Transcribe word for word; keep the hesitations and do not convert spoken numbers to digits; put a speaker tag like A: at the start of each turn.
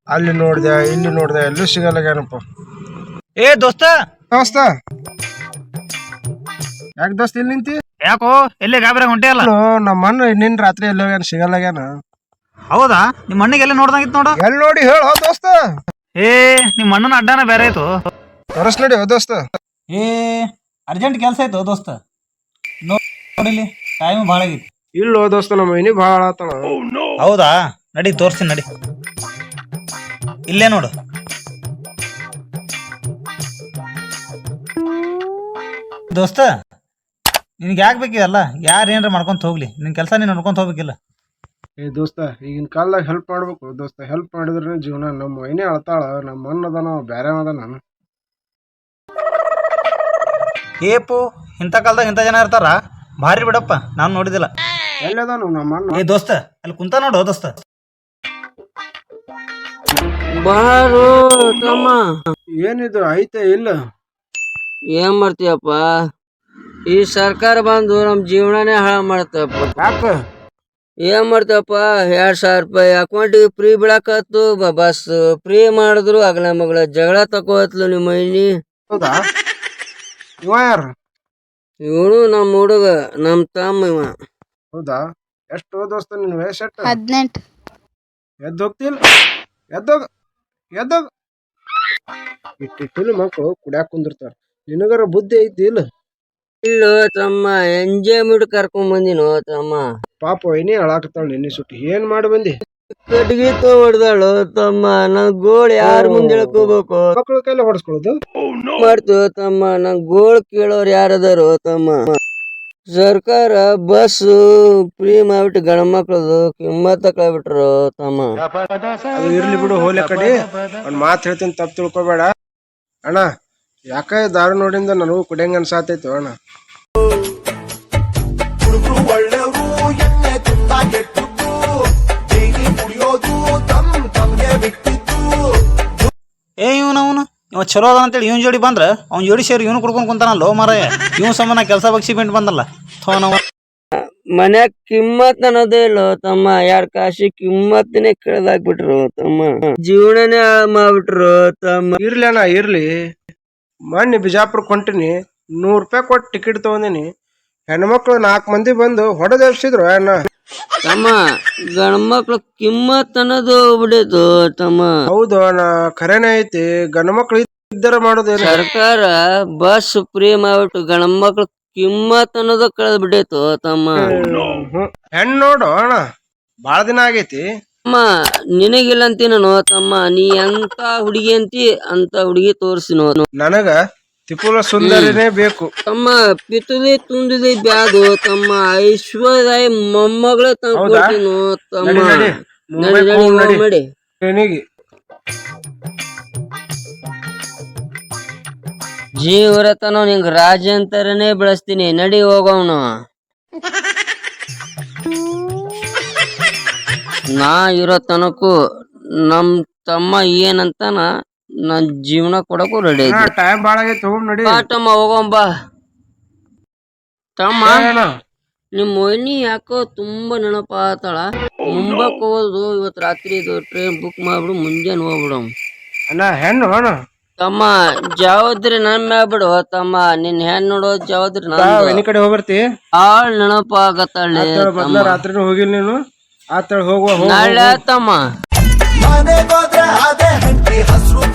A: ಅಲ್ಲಿ ನೋಡ್ದೆ ಇಲ್ಲಿ ನೋಡ್ದೆ ಎಲ್ಲೂ ಸಿಗಲ್ಲಾಗ್ಯಾನಪ್ಪ.
B: ಏ ದೋಸ್ತ
A: ದೋಸ್ತ ಯಾಕೆ ದೋಸ್ತ ಇಲ್ಲಿ ನಿಂತಿ?
B: ಯಾಕೋ ಎಲ್ಲಿ ಗಾಬರಿ ಹೊಂಟೆ ಅಲ್ಲ?
A: ನಮ್ಮ ಅಣ್ಣ ನಿನ್ ರಾತ್ರಿ ಎಲ್ಲೋಗ್ಯಾನ ಸಿಗಲ್ಲಾಗ್ಯಾನ.
B: ಹೌದಾ? ನಿಮ್ಮ ಅಣ್ಣಗೆ ಎಲ್ಲ ನೋಡ್ದಂಗಿತ್ತು ನೋಡು.
A: ಎಲ್ಲಿ ನೋಡಿ ಹೇಳ ದೋಸ್ತ.
B: ಏ ನಿಮ್ಮ ಅಣ್ಣನ ಅಡ್ಡಾನ ಬೇರೆ ಆಯ್ತು.
A: ತೋರಿಸ್ ನೋಡಿ ದೋಸ್ತ.
B: ಏ ಅರ್ಜೆಂಟ್ ಕೆಲಸ ಆಯ್ತು ದೋಸ್ತ, ನೋಡಿಲಿ ಟೈಮ್ ಭಾಳ ಆಗೈತಿ.
A: ಇಲ್ಲೋ ದೋಸ್ತ ನಮ್ಮ ಮನಿ ಭಾಳ ಆತಣ.
B: ಹೌದಾ? ನಡಿ ತೋರಿಸ್ತೀನಿ ನಡಿ. ಇಲ್ಲೇ ನೋಡು. ದೋಸ್ತ ನಿನ್ಗೆ ಯಾಕೆ ಬೇಕಿದಲ್ಲ? ಯಾರು ಏನಾರ ಮಾಡ್ಕೊಂತ ಹೋಗ್ಲಿ, ನಿನ್ ಕೆಲಸ ನೀನು ನೋಡ್ಕೊಂತ ಹೋಗ್ಬೇಕಿಲ್ಲ.
A: ಏ ದೋಸ್ತ ಈಗಿನ ಕಾಲದಾಗ ಹೆಲ್ಪ್ ಮಾಡ್ಬೇಕು ದೋಸ್ತ. ಹೆಲ್ಪ್ ಮಾಡಿದ್ರೆ ಜೀವನ. ನಮ್ಮ ಮೈನೇ ಅಳ್ತಾಳ, ನಮ್ಮ ಅಣ್ಣ ಅದಾನ ಬ್ಯಾರೆ ಅದ. ನಾನು
B: ಏಪು ಇಂಥ ಕಾಲದಾಗ ಇಂಥ ಜನ ಇರ್ತಾರ? ಭಾರಿ ಬಿಡಪ್ಪ, ನಾನು ನೋಡಿದಿಲ್ಲ.
A: ಎಲ್ಲದಾನು ನಮ್ಮ ಅಣ್ಣ?
B: ಏ ದೋಸ್ತ ಅಲ್ಲಿ ಕುಂತ ನೋಡು ದೋಸ್ತ.
C: ಬಾರು ತಮ್ಮ,
A: ಏನಿದು ಐತೆ ಇಲ್ಲ?
C: ಏನ್ ಮಾಡ್ತೀಯಪ್ಪ? ಈ ಸರ್ಕಾರ ಬಂದು ನಮ್ ಜೀವನನೇ ಹಾಳು ಮಾಡ್ತಪ್ಪ.
A: ಯಾಕ?
C: ಏನ್ ಮಾಡ್ತಪ್ಪ? ಎರಡ್ ಸಾವಿರ ರೂಪಾಯಿ ಅಕೌಂಟಿಗೆ ಫ್ರೀ ಬಿಡಾಕತ್ತು, ಬಸ್ ಫ್ರೀ ಮಾಡಿದ್ರು ಅಗಲ ಮಗಳ ಜಗಳ ತಕೋತ್ಲು ನಿಮ್ಮ ಮೈನಿ.
A: ಹೌದಾ? ಇವ ಯಾರು?
C: ಇವನು ನಮ್ ಹುಡುಗ, ನಮ್ ತಮ್ಮ ಇವ.
A: ಹೌದಾ? ಎಷ್ಟು ದೋಸ್ತ ನಿನ್ ವಯಸ್ಸು ಎಷ್ಟು?
D: ಹದಿನೆಂಟು.
A: ಎದ್ದು ಹೋಗ್ತಿಲ್ಲ? ಎದ್ದೋಗ ಎದ್ದೋಗ. ಇಟ್ಟಿಟ್ಟಿಲ್ಲ ಮಕ್ಕಳು ಕುಡ್ಯಾಕ ಕುಂದಿರ್ತಾರ. ನಿನಗರ ಬುದ್ಧಿ ಐತಿ ಇಲ್ಲ?
C: ಇಲ್ಲೋ ತಮ್ಮ, ಎಂಜಾಯ್ಮೆಂಟ್ ಕರ್ಕೊಂಡ್ ಬಂದಿನೋ ತಮ್ಮ.
A: ಪಾಪ ಏನೇ ಅಳಾಕತ್ತಾಳ ನಿನ್ನೆ ಸುಟ್ಟಿ. ಏನ್ ಮಾಡಿ ಬಂದಿ?
C: ಕಟ್ಗಿ ಹೊಡ್ದಾಳು ತಮ್ಮ. ನನ್ ಗೋಳ್ ಯಾರ ಮುಂದೆ ಹೇಳ್ಕೋಬೇಕು?
A: ಮಕ್ಕಳ ಕೈಲಿ ಹೊಡ್ಸ್ಕೊಳ್ಳೋದು
C: ಮಾಡ್ತೀವ ತಮ್ಮ. ನನ್ ಗೋಳ್ ಕೇಳೋರ್ ಯಾರದಾರು ತಮ್ಮ? ಸರ್ಕಾರ ಬಸ್ ಫ್ರೀ ಮಾಡ್ಬಿಟ್ಟು ಗಂಡ ಮಕ್ಳದು ಕಿಮ್ಮತ್ತ ಕಳ್ಬಿಟ್ರು ತಮ್ಮ.
A: ಅದು ಇರ್ಲಿ ಬಿಡು, ಹೋಲೆ ಕಡೆ. ಒಂದ್ ಮಾತು ಹೇಳ್ತೀನಿ, ತಪ್ಪು ತಿಳ್ಕೊಬೇಡ ಅಣ್ಣ. ಯಾಕ ದಾರು ನೋಡಿಂದ ನನಗೂ ಕುಡಿಯಂಗ ಅನ್ಸಾತೈತು ಅಣ್ಣ.
B: ಏ ಇವನು ಅವನು ಇವ ಚಲೋ ಅದ ಅಂತೇಳಿ ಇವನ್ ಜೋಡಿ ಬಂದ್ರ ಅವ್ನ ಜೋಡಿ ಸೇರಿ ಇವನು ಕುಡ್ಕೊಂಡ್ ಕುಂತಾನಲ್ಲ ಮಾರಾಯ. ಇವ್ ಸಂಬಂಧ ಕೆಲಸ ಬಗ್ಸಿ ಬಿಟ್ಟು ಬಂದಲ್ಲ ಥೋ ನಾವು.
C: ಮನ್ಯಾಗ ಕಿಮ್ಮತ್ ಅನ್ನೋದೇ ಇಲ್ಲೋ ತಮ್ಮ. ಎರಡ್ ಕಾಶಿ ಕಿಮ್ಮತ್ತನೇ ಕಳ್ದಾಕ್ಬಿಟ್ರು ತಮ್ಮ. ಜೀವನನೇ ಹಾಳು ಮಾಡ್ಬಿಟ್ರು ತಮ್ಮ.
A: ಇರ್ಲಿ ಅಣ್ಣ ಇರ್ಲಿ. ಮೊನ್ನೆ ಬಿಜಾಪುರಕ್ಕೆ ಹೊಂಟಿನಿ, ನೂರ್ ರೂಪಾಯಿ ಕೊಟ್ಟು ಟಿಕೆಟ್ ತಗೊಂಡಿನಿ. ಹೆಣ್ಮಕ್ಳು ನಾಲ್ಕು ಮಂದಿ ಬಂದು ಹೊಡೆದ ಎಬ್ಸಿದ್ರು ಅಣ್ಣ.
C: ತಮ್ಮ ಗಂಡ್ಮಕ್ಳು ಕಿಮ್ಮತ್ ಅನ್ನೋದು ಹೋಗ್ಬಿಡೈತು ತಮ್ಮ.
A: ಹೌದು ಅಣ್ಣ, ಖರೇನೆ ಐತಿ. ಗಂಡ ಮಕ್ಳು ಇದ್ದರ ಮಾಡೋದೇನು?
C: ಸರ್ಕಾರ ಬಸ್ ಫ್ರೀ ಮಾಡ್ಬಿಟ್ಟು ಗಂಡ್ಮಕ್ಳು ಕಿಮ್ಮತ್ ಅನ್ನೋದು ಕಳೆದ್ ಬಿಡೈತು ತಮ್ಮ.
A: ಹೆಣ್ ನೋಡು ಅಣ್ಣ, ಬಾಳ ದಿನ ಆಗೈತಿ.
C: ತಮ್ಮ ನಿನಗಿಲ್ಲ ಅಂತೀನೋ ತಮ್ಮ. ನೀ ಎಂತ ಹುಡುಗಿ ಅಂತಿ ಅಂತ ಹುಡುಗಿ ತೋರ್ಸಿನೋ.
A: ನನಗ ತಿಪುಲ ಸುಂದರಿನೇ ಬೇಕು
C: ತಮ್ಮ. ಪಿತುದಿ ತುಂದಿದಿ ಬ್ಯಾದು ತಮ್ಮ. ಐಶ್ವರ್ಯ ಮೊಮ್ಮಗಳ ತಂದ್ಕೊಡ್ತೀನೋ ತಮ್ಮ. ಮಾಡಿ
A: ಟ್ರೈನಿಗೆ
C: ಜೀವರತನ ನಿಂಗ್ ರಾಜಂತರನೇ ಬೆಳೆಸ್ತೀನಿ. ನಡಿ ಹೋಗೋಣ. ನಾ ಇರೋ ತನಕು ನಮ್ ತಮ್ಮ ಏನಂತಾನ ನನ್ ಜೀವನ ಕೊಡಕ್ಕೂ ರೆಡಿ ಐತಿ.
A: ಟೈಮ್ ಬಾಳ ಆಗೈತಿ, ಹೋಗ್ ನಡಿ.
C: ತಮ್ಮ ಹೋಗೋಣ ಬಾ ತಮ್ಮ. ನಿಮ್ ಮೊಯ್ನಿ ಯಾಕೋ ತುಂಬಾ ನೆನಪಾತಾಳ. ಮುಂಬಕ್ ಹೋಗೋದು ಇವತ್ ರಾತ್ರಿ ಇದು ಟ್ರೈನ್ ಬುಕ್ ಮಾಡ್ಬಿಡು, ಮುಂಜಾನೆ ಹೋಗ್ಬಿಡು
A: ಅಣ್ಣ. ಹೆಣ್ಣು ಅಣ್ಣ
C: ತಮ್ಮ. ಜವಾಬ್ದಾರಿ ನನ್ ಮ್ಯಾಗ ಬಿಡು ತಮ್ಮ. ನಿನ್ ಹೆಣ್ ನೋಡೋ ಜವಾಬ್ದಾರಿ
A: ಎನಿ ಕಡೆ ಹೋಗ್ಬರ್ತಿ?
C: ಆಳ್ ನೆನಪಾಗತ್ತಾಳೆ.
A: ಮೊದ್ಲ ರಾತ್ರಿ ಹೋಗಿಲ್ಲ ನೀನು? ಆತಳ ಹೋಗುವ
C: ನಾಳೆ ತಮ್ಮ.